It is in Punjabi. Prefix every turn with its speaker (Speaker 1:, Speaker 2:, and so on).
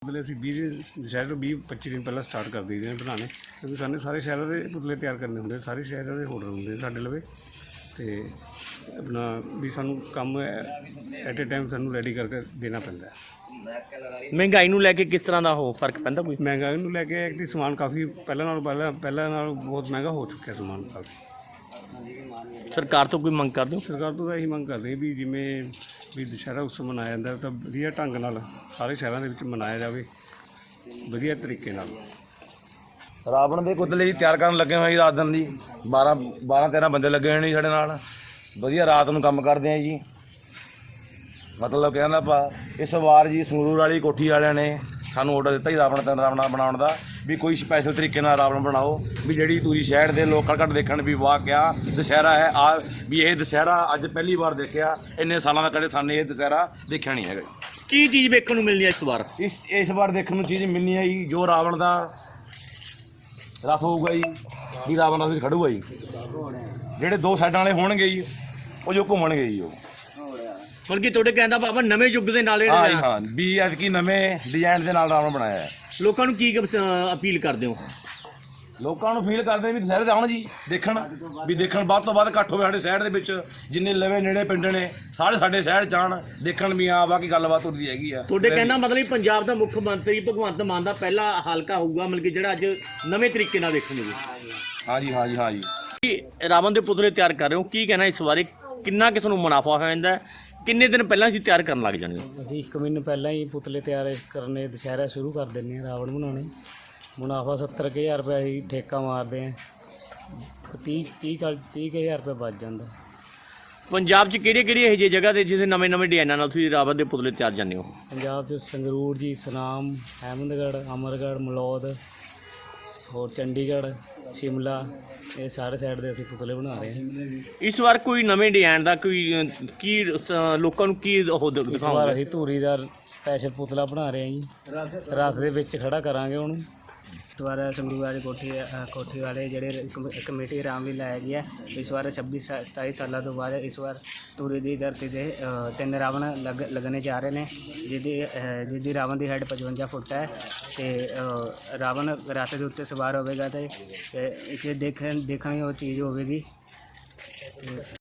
Speaker 1: पुतले ਅਸੀਂ 20 ਸ਼ਹਿਰ ਤੋਂ 20-25 ਦਿਨ ਪਹਿਲਾਂ ਸਟਾਰਟ ਕਰ ਦਈਦੇ ਨੇ ਬਣਾਉਣੇ, ਕਿਉਂਕਿ ਸਾਨੂੰ ਸਾਰੇ ਸ਼ਹਿਰਾਂ ਦੇ ਪੁਤਲੇ ਤਿਆਰ ਕਰਨੇ ਹੁੰਦੇ, ਸਾਰੇ ਸ਼ਹਿਰਾਂ ਦੇ ਆਰਡਰ ਹੁੰਦੇ ਸਾਡੇ ਲਵੇ ਅਤੇ ਆਪਣਾ ਵੀ ਸਾਨੂੰ ਕੰਮ ਐਟ ਏ ਟਾਈਮ ਸਾਨੂੰ ਰੈਡੀ ਕਰਕੇ ਦੇਣਾ ਪੈਂਦਾ।
Speaker 2: ਮਹਿੰਗਾਈ ਨੂੰ ਲੈ ਕੇ ਕਿਸ ਤਰ੍ਹਾਂ ਦਾ ਹੋ ਫਰਕ ਪੈਂਦਾ ਕੋਈ?
Speaker 1: ਮਹਿੰਗਾਈ ਨੂੰ ਲੈ ਕੇ ਕਿ ਸਮਾਨ ਕਾਫੀ ਪਹਿਲਾਂ ਨਾਲੋਂ ਬਹੁਤ ਮਹਿੰਗਾ ਹੋ ਚੁੱਕਿਆ ਸਮਾਨ ਕਾਫੀ।
Speaker 2: ਸਰਕਾਰ ਤੋਂ ਕੋਈ ਮੰਗ ਕਰਦੇ ਹੋ?
Speaker 1: ਸਰਕਾਰ ਤੋਂ ਤਾਂ ਇਹੀ ਮੰਗ ਕਰਦੇ ਵੀ ਜਿਵੇਂ ਵੀ ਦੁਸਹਿਰਾ ਉਤਸਵ ਮਨਾਇਆ ਜਾਂਦਾ ਤਾਂ ਵਧੀਆ ਢੰਗ ਨਾਲ ਸਾਰੇ ਸ਼ਹਿਰਾਂ ਦੇ ਵਿੱਚ ਮਨਾਇਆ ਜਾਵੇ, ਵਧੀਆ ਤਰੀਕੇ ਨਾਲ।
Speaker 3: ਰਾਵਣ ਦੇ ਪੁਤਲੇ ਜੀ ਤਿਆਰ ਕਰਨ ਲੱਗੇ ਹੋਏ ਜੀ, ਰਾਤ ਦਿਨ ਜੀ 12-13 ਬੰਦੇ ਲੱਗੇ ਹੋਏ ਨੇ ਜੀ ਸਾਡੇ ਨਾਲ, ਵਧੀਆ ਰਾਤ ਨੂੰ ਕੰਮ ਕਰਦੇ ਆ ਜੀ। ਮਤਲਬ ਕਹਿੰਦਾ ਆਪਾਂ ਇਸ ਵਾਰ ਜੀ ਸੰਗਰੂਰ ਵਾਲੀ ਕੋਠੀ ਵਾਲਿਆਂ ਨੇ ਸਾਨੂੰ ਆਰਡਰ ਦਿੱਤਾ ਜੀ ਰਾਵਣ ਬਣਾਉਣ ਦਾ, ਵੀ ਕੋਈ ਸਪੈਸ਼ਲ ਤਰੀਕੇ ਨਾਲ ਰਾਵਣ ਬਣਾਓ, ਵੀ ਜਿਹੜੀ ਤੁਸੀਂ ਸ਼ਹਿਰ ਦੇ ਲੋਕ ਘੱਟ ਦੇਖਣ ਵੀ ਵਾਹ ਕਿਆ ਦੁਸਹਿਰਾ ਹੈ ਆ, ਵੀ ਇਹ ਦੁਸਹਿਰਾ ਅੱਜ ਪਹਿਲੀ ਵਾਰ ਦੇਖਿਆ, ਇੰਨੇ ਸਾਲਾਂ ਦਾ ਕਦੇ ਸਾਨੂੰ ਇਹ ਦੁਸਹਿਰਾ ਦੇਖਿਆ ਨਹੀਂ ਹੈਗਾ।
Speaker 2: ਕੀ ਚੀਜ਼ ਵੇਖਣ ਨੂੰ ਮਿਲਣੀ ਹੈ ਇਸ ਵਾਰ?
Speaker 3: ਇਸ ਵਾਰ ਦੇਖਣ ਨੂੰ ਚੀਜ਼ ਮਿਲਣੀ ਹੈ ਜੀ, ਜੋ ਰਾਵਣ ਦਾ ਰਥ ਹੋਊਗਾ ਜੀ, ਵੀ ਰਾਵਣ ਦਾ ਵਿੱਚ ਖੜੂਗਾ ਜੀ, ਜਿਹੜੇ ਦੋ ਸਾਈਡਾਂ ਵਾਲੇ ਹੋਣਗੇ ਜੀ ਉਹ ਜੋ ਘੁੰਮਣਗੇ ਜੀ, ਉਹ
Speaker 2: ਬਲਕਿ ਤੁਹਾਡੇ ਕਹਿੰਦਾ ਆਪਾਂ ਨਵੇਂ ਯੁੱਗ ਦੇ ਨਾਲ
Speaker 3: ਹਾਂ ਵੀ ਐਤਕੀ ਨਵੇਂ ਡਿਜ਼ਾਈਨ ਦੇ ਨਾਲ ਰਾਵਣ ਬਣਾਇਆ ਹੈ।
Speaker 2: ਲੋਕਾਂ ਨੂੰ ਕੀ ਅਪੀਲ ਕਰਦੇ ਹੋ?
Speaker 3: ਲੋਕਾਂ ਨੂੰ ਫੀਲ ਕਰਦੇ ਵੀ ਦੁਸਹਿਰੇ ਤੇ ਆਉਣ ਜੀ, ਦੇਖਣ ਵੱਧ ਤੋਂ ਵੱਧ ਇਕੱਠ ਹੋਵੇ ਸਾਡੇ ਸ਼ਹਿਰ ਦੇ ਵਿੱਚ, ਜਿੰਨੇ ਲਵੇ ਨੇੜੇ ਪਿੰਡ ਨੇ ਸਾਰੇ ਸਾਡੇ ਸ਼ਹਿਰ 'ਚ ਆਉਣ, ਦੇਖਣ ਵੀ ਆ ਬਾਕੀ ਗੱਲਬਾਤ ਹੁੰਦੀ ਹੈਗੀ ਆ।
Speaker 2: ਤੁਹਾਡੇ ਕਹਿੰਦਾ ਮਤਲਬ ਪੰਜਾਬ ਦਾ ਮੁੱਖ ਮੰਤਰੀ ਭਗਵੰਤ ਮਾਨ ਦਾ ਪਹਿਲਾ ਹਲਕਾ ਹੋਊਗਾ, ਮਤਲਬ ਕਿ ਜਿਹੜਾ ਅੱਜ ਨਵੇਂ ਤਰੀਕੇ ਨਾਲ ਦੇਖਣ ਨੂੰ।
Speaker 3: ਹਾਂ ਜੀ
Speaker 2: ਰਾਵਣ ਦੇ ਪੁਤਲੇ ਤਿਆਰ ਕਰ ਰਹੇ ਹੋ, ਕੀ ਕਹਿਣਾ ਇਸ ਬਾਰੇ? ਕਿੰਨਾ ਕਿਸ ਨੂੰ ਮੁਨਾਫਾ ਹੋ ਜਾਂਦਾ? ਕਿੰਨੇ ਦਿਨ ਪਹਿਲਾਂ ਅਸੀਂ ਤਿਆਰ ਕਰਨ ਲੱਗ ਜਾਂਦੇ?
Speaker 1: ਅਸੀਂ 1 ਮਹੀਨੇ ਪਹਿਲਾਂ ਹੀ ਪੁਤਲੇ ਤਿਆਰ ਕਰਨੇ, ਦੁਸਹਿਰਾ ਸ਼ੁਰੂ ਕਰ ਦਿੰਦੇ ਹਾਂ, ਰਾਵਣ ਬਣਾਉਣੇ। ਮੁਨਾਫਾ 70,000 ਰੁਪਏ ਅਸੀਂ ਠੇਕਾ ਮਾਰਦੇ ਹਾਂ, 30,000 ਰੁਪਏ ਬਚ ਜਾਂਦਾ।
Speaker 2: ਪੰਜਾਬ 'ਚ ਕਿਹੜੀਆਂ ਇਹੋ ਜਿਹੀ ਜਗ੍ਹਾ 'ਤੇ ਜਿੱਥੇ ਨਵੇਂ ਡਿਜ਼ਾਈਨਾਂ ਨਾਲ ਤੁਸੀਂ ਰਾਵਣ ਦੇ ਪੁਤਲੇ ਤਿਆਰ ਜਾਂਦੇ ਹੋ?
Speaker 1: ਪੰਜਾਬ 'ਚ ਸੰਗਰੂਰ ਜੀ, ਸੁਨਾਮ, ਅਹਿਮਦਗੜ੍ਹ, ਅਮਰਗੜ੍ਹ, ਮਲੌਦ, ਹੋਰ ਚੰਡੀਗੜ੍ਹ, ਸ਼ਿਮਲਾ, ਇਹ ਸਾਰੇ ਸਾਈਡ ਦੇ ਅਸੀਂ ਪੁਤਲੇ ਬਣਾ ਰਹੇ ਹਾਂ।
Speaker 2: ਇਸ ਵਾਰ ਕੋਈ ਨਵੇਂ ਡਿਜ਼ਾਈਨ ਦਾ ਕੋਈ ਕੀ ਲੋਕਾਂ ਨੂੰ ਕੀ ਉਹ
Speaker 1: ਇਸ ਵਾਰ ਅਸੀਂ ਧੂਰੀ ਦਾ ਸਪੈਸ਼ਲ ਪੁਤਲਾ ਬਣਾ ਰਹੇ ਹਾਂ ਜੀ, ਰਾਤ ਦੇ ਵਿੱਚ ਖੜਾ ਕਰਾਂਗੇ ਉਹਨੂੰ। ਦੁਬਾਰਾ ਸੰਗਰੂਰ ਵਾਲੀ ਕੋਠੀ ਵਾਲੇ ਜਿਹੜੇ ਕਮੇਟੀ ਆਰਾਮ ਵੀ ਲਾਇਆ ਗਿਆ। ਇਸ ਵਾਰ 26-27 ਸਾਲਾਂ ਤੋਂ ਬਾਅਦ ਇਸ ਵਾਰ ਧੂਰੀ ਦੀ ਧਰਤੀ 'ਤੇ 3 ਰਾਵਣ ਲੱਗਣੇ ਜਾ ਰਹੇ ਨੇ, ਜਿਹਦੀ ਰਾਵਣ ਦੀ ਹਾਈਟ 55 ਫੁੱਟ ਹੈ ਅਤੇ ਰਾਵਣ ਰੱਥ ਦੇ ਉੱਤੇ ਸਵਾਰ ਹੋਵੇਗਾ ਅਤੇ ਇਹ ਦੇਖਣ ਉਹ ਚੀਜ਼ ਹੋਵੇਗੀ।